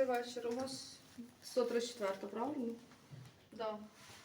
вечір. У вас 134, правильно? Да.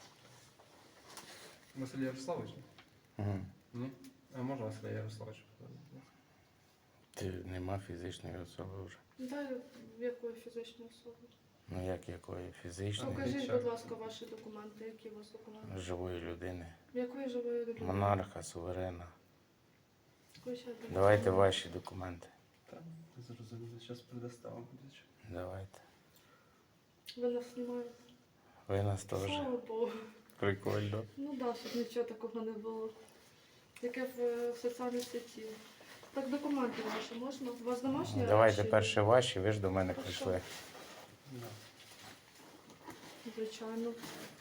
Василь Ярославович? Угу. Ні? А можна Василя Ярославовича? Ти нема фізичної особи вже. Да, якої фізичної особи? Ну як якої? Фізичної? Покажіть, будь ласка, ваші документи. Які у вас документи? Живої людини. Якої живої людини? Монарха, суверена. Якої ще документи? Давайте ваші документи. Так, зрозуміло. Зараз предоставимо. Давайте. Ви нас знімаєте? Ви нас теж. Слава Богу. Прикольно. Ну да, щоб нічого такого не було. Яке в соціальній сеті. Так, документи ваші можна? У вас домашні Давайте речі? перше ваші, ви ж до мене Хорошо. прийшли. Да. Звичайно.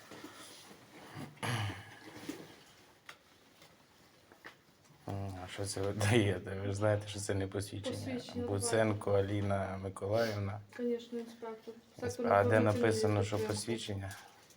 А що це ви даєте? Ви ж знаєте, що це не посвідчення. Посвідчення, Буценко Аліна Миколаївна. Звісно, інспектор. А де інформаційної написано, що підтримки. посвідчення?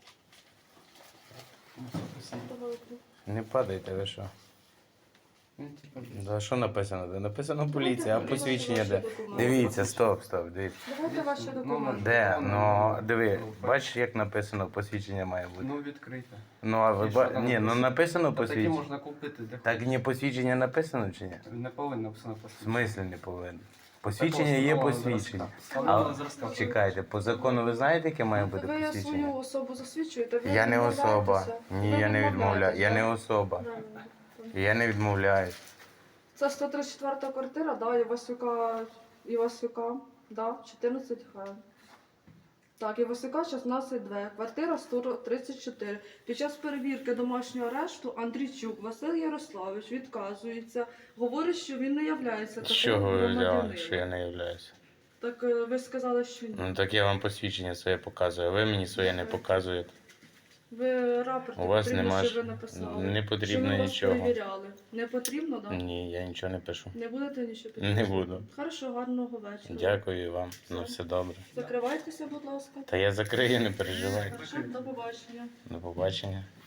Давайте. Не падайте, ви що? Ну, типа, За що написано? Де написано поліція, а Давайте посвідчення де? ваші документи. Дивіться, стоп, дивіться. Давайте ваші документи. Де? Ну, диви, бачиш, як написано, посвідчення має бути. Ну, відкрите. Ну, а ви І що там ні, ну написано Та такі посвідчення. можна купити. Де Так не посвідчення написано чи ні? Не повинно написано В посвідчення. смислі не повинно. Посвідчення є посвідчення. А чекайте, по закону ви знаєте, яке має бути Ви свою посвідчення? особу засвідчуєте? Ви Я не особа. відмовляєтеся? Ні, Ви я не відмовляю. Я не відмовляєтеся? особа. Правильно. Я не відмовляюсь. Це 134 квартира, да, Івасюка, да, 14 х. Так, Івасюка 16-2, квартира 134. Під час перевірки домашнього арешту Андрійчук Василь Ярославович відказується, говорить, що він не являється З таким чого ви взяли, громадянином. що я не являюся? Так ви сказали, що ні. Ну так я вам посвідчення своє показую, а ви мені своє не показуєте. Ви рапорт У вас потрібно, нема що ви ж- написали. не потрібно що ви нічого. Вас перевіряли. Не потрібно, так? Да? Ні, я нічого не пишу. Не будете нічого Не підписувати? буду. Хорошо, гарного вечора. Дякую вам. На все добре. Закривайтеся, будь ласка. Та я закрию, не переживайте. Хорошо, до побачення. До побачення.